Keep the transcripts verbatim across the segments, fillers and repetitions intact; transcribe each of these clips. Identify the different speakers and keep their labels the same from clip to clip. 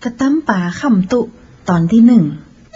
Speaker 1: กระตั้มป่าขำตุตอนที่หนึ่ง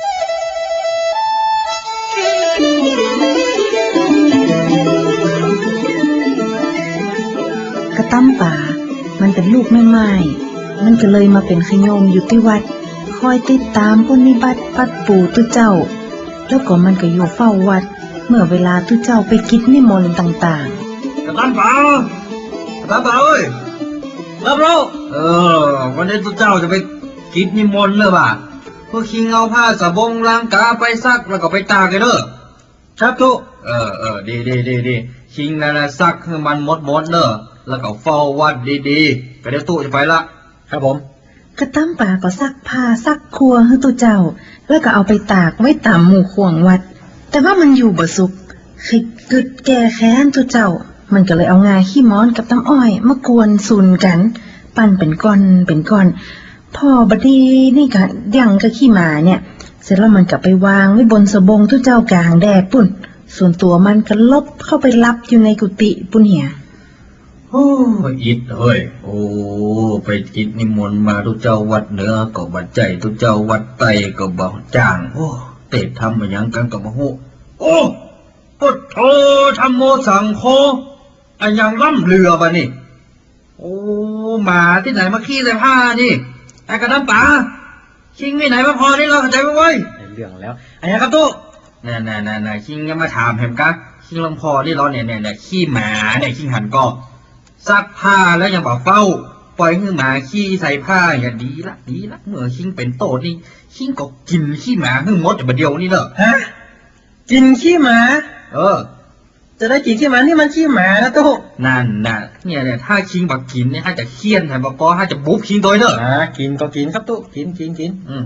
Speaker 1: กระตั้มป่ามันเป็นลูกแม่ไม้มันก็เลยมาเป็นขโยมอยู่ที่วัดคอยติดตามปฏิบัติปัดปู่ตุเจ้าแล้วก็มันก็อยู่เฝ้าวัดเมื่อเวลาตุเจ้าไปกิจนิมนต์ต่างๆ
Speaker 2: กระตั้มป่ากระตั้มป่าเอ้ยรับรู้เออวันนี้ตุเจ้าจะไปกิจนิมนต์เลยป่ะพวกคิงเอาผ้าสบงล้างกาไปซักแล้วก็ไปตากกันเด้อครับทุกเออเออดีดีดีดีคิงนั่นนะซักให้มันหมดหมดเด้อแล้วก็เฝ้าวัดดีๆก็เดี๋ยวตู้จะไปละครับผม
Speaker 1: กระตั้มป่าก็ซักผ้าซักครัวให้ตุเจ้าแล้วก็เอาไปตากไว้ตามหมู่ขวงวัดแต่ว่ามันอยู่บ่สุกคิดกึดแก่แค้นตุเจ้ามันก็เลยเอางาขี้ม้อนกับน้ำอ้อยมากวนซุนกันปั้นเป็นก้อนเป็นก้อนพอบดีนี่ก็ยังกับขี้หมาเนี่ยเสร็จแล้วมันก็ไปวางไว้บนสบงตุเจ้ากลางแดดปุ่นส่วนตัวมันก็ลบเข้าไปลับอยู่ในกุฏิปุ่นเหีย
Speaker 2: โอ้อิดเฮ้ยโอ้ไปกิจนิมนต์มาทุกเจ้าวัดเหนือก็บัดใจทุกเจ้าวัดใต้ก็บ่จ้างโอ้เตะทำมายังกันกับบ่ฮู้โอ้พุทโธธัมโมสังโฆอันยังล่ำเรือป่ะนี่โอ้หมาที่ไหนมาขี้ใส่ผ้านี่ไอ้กระน้ำป่าคิงที่ไหนมาพอนี่เราเข้าใจไหมเว้ยเรื่องแล้วไอ้ครับตุ๊น่ะน่ะน่ะน่ะคิงยังมาถามเห็นกะคิงลำพอที่เราเนี่ยเนี่ยเนี่ยขี้หมาเนี่ยคิงหันก็ซักผ้าแล้วยังบอกเฝ้าปล่อยให้หมาขี้ใส่ผ้าอย่าดีละดีละเมื่อคิงเป็นโตนี่คิงก็กินขี้หมาให้หมดแต่เดียวนี่เด้อ
Speaker 3: ฮะกินขี้หมา
Speaker 2: เออ
Speaker 3: จะได้กินขี้หมานี่มันขี้หมานะตุ๊
Speaker 2: นั่นน่ะเนี่ยเนี่ยถ้าคิงบักกินเนี่ยถ้าจะเคี่ยนแต่บอกก็ถ้าจะบุ๊บคิงโดยเด้อ
Speaker 3: อ่ากินก็กินครับตุ๊กินกินกิน
Speaker 2: อืม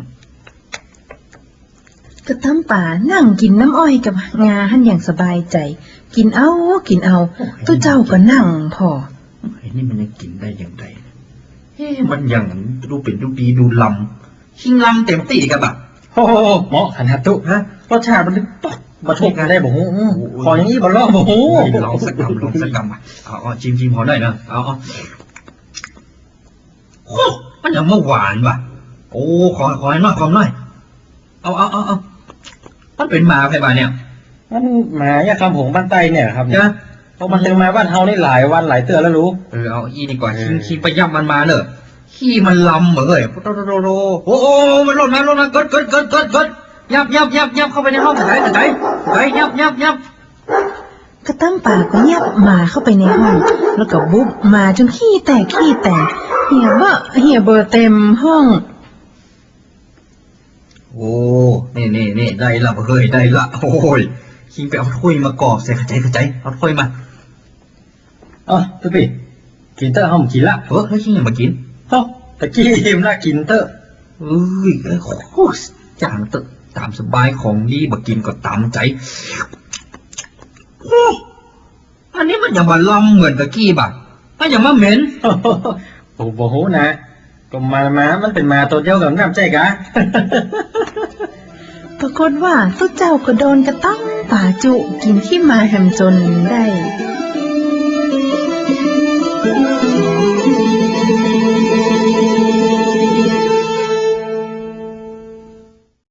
Speaker 1: กระตั้มป่านั่งกินน้ำอ้อยกับงาหันอย่างสบายใจกินเอากินเอาตุเจ้าก็นั่งพอ
Speaker 2: ไอ้นี่มันยังกินได้อย่างไรเฮ้มันยังดูเป็นดูดีดูลำคิงลำเต็มตีกับแบบ
Speaker 3: โอ้เหมาะขนาดตุ๊ฮะรสชาติมันลึกป๊อกมาทุกกันได้บ่ฮู้ขออย่างนี้บ่รอบ่ฮู้
Speaker 2: ลองสักคำลองสักคำอ่ะเอาเอาชิมชิมพอได้นะเอาเอาโอ้มันยังเมื่อหวานว่ะโอ้ขอขอให้น้อยขอหน่อยเอาเอาเอาเอามันเป็นหมาใครบ้านเนี่ย
Speaker 3: มันหมาเนี่ยคำผงบ้านใต้เนี่ยครับเนี่ยเพราะมันถึงมาบ้านเฮานี่หลายวันหลายเตือนแล้วรู้
Speaker 2: เออเอาอีดีกว่าคิงคิงไปย่ำมันมาเนอะขี้มันลำเหมือนเลยโตโตโตโตโอ้โอ้มันลดมาลดมากดกดกดกดกดยับยับยับยับเข้าไปในห้องไหนไหนไหนยับยับยับ
Speaker 1: กระตั้มป่าก็ยับมาเข้าไปในห้องแล้วก็บุ๊บมาจนขี้แตกขี้แตกเหี่ยเบอเหี่ยเบอเต็มห้อง
Speaker 2: โอ้นี่นี่นี่ได้ละเฮ้ยได้ละโอ้ยคิงไปเอาถ้วยมากอบใส่กระจายกระจายเอาถ้วยมา
Speaker 3: อ๋อตุ๊พี่กินเตอร์ห้องกินละ
Speaker 2: เออให้คิงอย่ามากิน
Speaker 3: เอ้าตะกี้อิ่มละกินเตอร์
Speaker 2: เอ้ยโอ้จางเตอร์ตามสบายของดีมากินก็ตามใจโอ้อันนี้มันอย่ามาลำเหมือนตะกี้บ่ะมันอย่ามาเหม็น
Speaker 3: โอ้โหนะก็มามามันเป็นมาตัวเดียวกับน้ำใจกะ
Speaker 1: ปรากฏว่าตุ๊เจ้าก็โดนกระตั้มป่าจุกินขี้มาแหมจนได้